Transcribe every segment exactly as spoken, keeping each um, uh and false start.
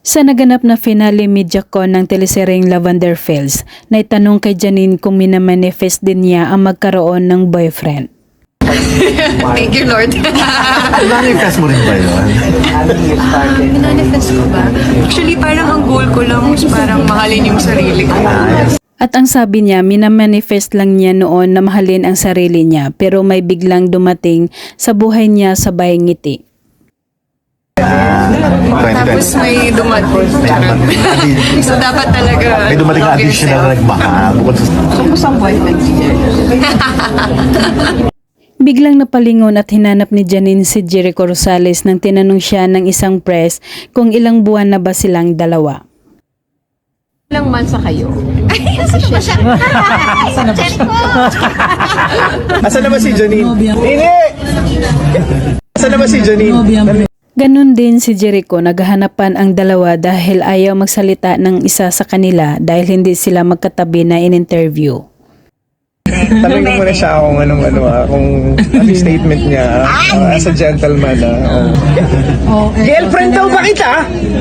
Sa naganap na finale MediaCon ng teleseryeng Lavender Fields, naitanong kay Janine kung minamanifest din niya ang magkaroon ng boyfriend. Thank you, Lord. Manifest mo rin ba yun? Manifest ko ba? Actually, parang ang goal ko lang is parang mahalin yung sarili ko. At ang sabi niya, minamanifest lang niya noon na mahalin ang sarili niya, pero may biglang dumating sa buhay niya sabay ngiti. Tapos may dumating. So, dapat talaga... May dumating na additional na nagmahal. Bukod sa... Tapos ang boyfriend siya. Biglang napalingon at hinanap ni Janine si Jericho Rosales nang tinanong siya ng isang press kung ilang buwan na ba silang dalawa. Ilang months na kayo? Ay, asan na ba siya? Asan na ba siya? Asan na ba si Janine? Ini! Asan na ba si Janine? Ganon din si Jericho, naghahanapan ang dalawa dahil ayaw magsalita ng isa sa kanila dahil hindi sila magkatabi na in-interview. Tanongin mo na siya kung anong ano ah, kung ano yung statement niya uh, as a gentleman ah. Oh. Girlfriend daw ba kita?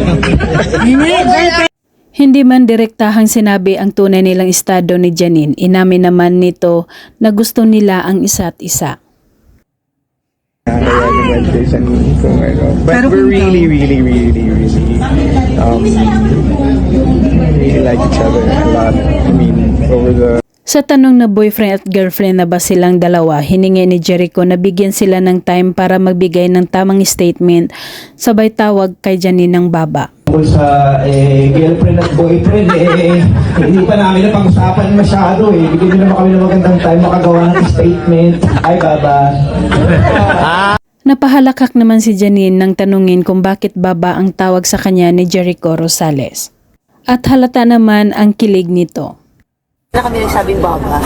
Hindi man direktahang sinabi ang tunay nilang estado ni Janine, inamin naman nito na gusto nila ang isa't isa. Kaya naman kay Janine kung ano. But we're really, really, really, really um, really like each other a lot. I mean, over the Sa tanong na boyfriend at girlfriend na ba silang dalawa, hiningi ni Jericho na bigyan sila ng time para magbigay ng tamang statement, sabay tawag kay Janine ng baba. Kung sa eh, girlfriend at boyfriend, eh, hindi pa namin na pag-usapan masyado eh. Bigyan nyo naman kami ng magandang time makagawa ng statement. Ay, baba. Napahalakak naman si Janine nang tanungin kung bakit baba ang tawag sa kanya ni Jericho Rosales. At halata naman ang kilig nito. Na kami nagsabing baba.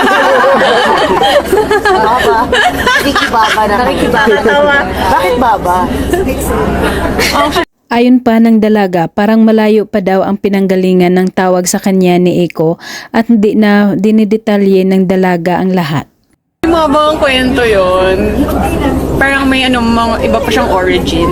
Baba. Ricky Baba na. Ricky Baba. Bakit baba? Ayon pa ng dalaga, parang malayo pa daw ang pinanggalingan ng tawag sa kanya ni Eko at hindi na dinidetalye ng dalaga ang lahat. Mabang kwento yon. Parang may ano, mga iba pa siyang origin.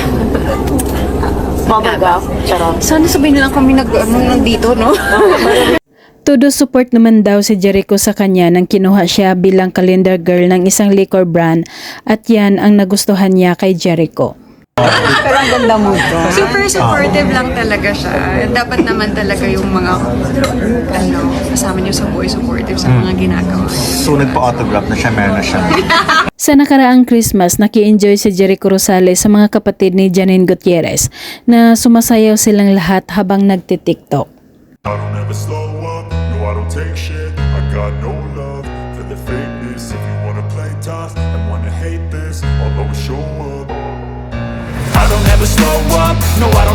Baba ka? Charot. Sana sabihin na lang kami nag, ano, nandito, no? Todo support naman daw si Jericho sa kanya nang kinuha siya bilang calendar girl ng isang liquor brand at yan ang nagustuhan niya kay Jericho. Pero ang ganda mo to. Super supportive lang talaga siya. Dapat naman talaga yung mga ano, kasama niyo sa buhay supportive sa mga ginagawa. So nagpa-autograph na siya, meron na siya. Sa nakaraang Christmas, naki-enjoy si Jericho Rosales sa mga kapatid ni Janine Gutierrez na sumasayaw silang lahat habang nagtitiktok. I don't ever slow up, no I don't take shit. I got no love for the fakeness. If you wanna play tough and wanna hate this, I'll always show up. I don't ever slow up, no I don't